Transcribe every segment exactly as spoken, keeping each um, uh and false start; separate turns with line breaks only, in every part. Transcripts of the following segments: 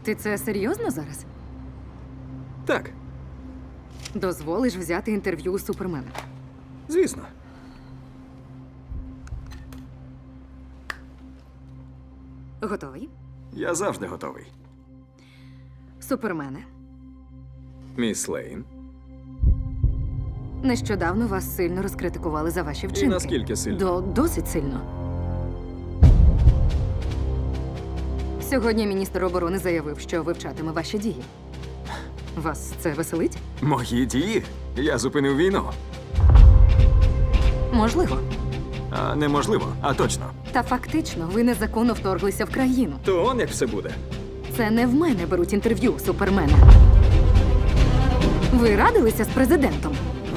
Ти це серйозно зараз?
Так,
Дозволиш взяти інтерв'ю у Супермена?
звісно.
Готовий?
Я завжди готовий.
Супермене,
Міс Лейн.
нещодавно вас сильно розкритикували за ваші вчинки.
наскільки сильно?
До досить сильно. Сьогодні міністр оборони заявив, що вивчатиме ваші дії. Вас це веселить?
Мої дії? Я зупинив війну.
Можливо.
А неможливо, а точно.
Та фактично ви незаконно вторглися в країну.
То он як все буде.
Це не в мене беруть інтерв'ю, Супермена. Ви радилися з президентом,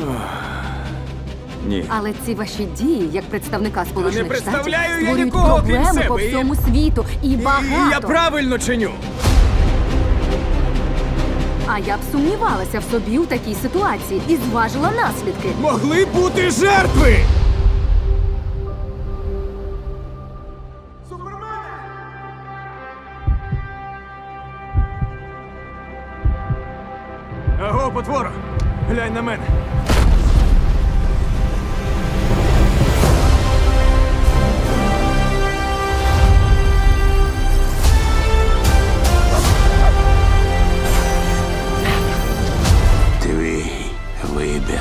Ні.
але ці ваші дії, як представника Сполучених
не
Штатів,
представляю я
створюють
нікого, крім
проблеми
себе,
по
і-
всьому світу. І багато.
Я правильно чиню.
А я б сумнівалася в собі у такій ситуації і зважила наслідки.
Могли бути жертви! Аго, потвора! Глянь на мене!
Твій вибір.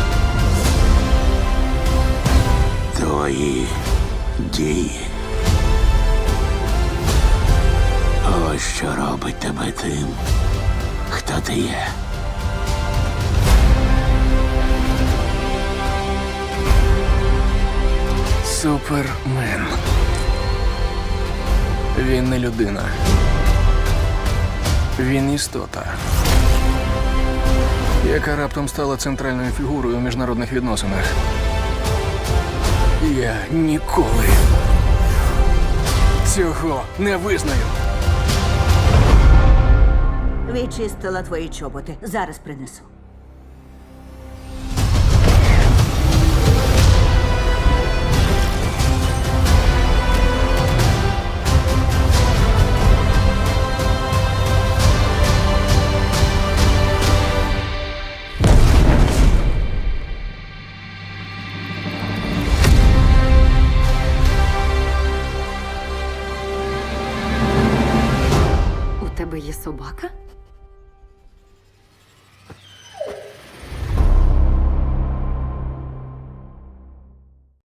Твої дії. Ось що робить тебе тим, хто ти є.
Супермен. Він не людина. Він істота, яка раптом стала центральною фігурою у міжнародних відносинах. Я ніколи цього не визнаю.
Відчистила твої чоботи. Зараз принесу.
У тебе є собака?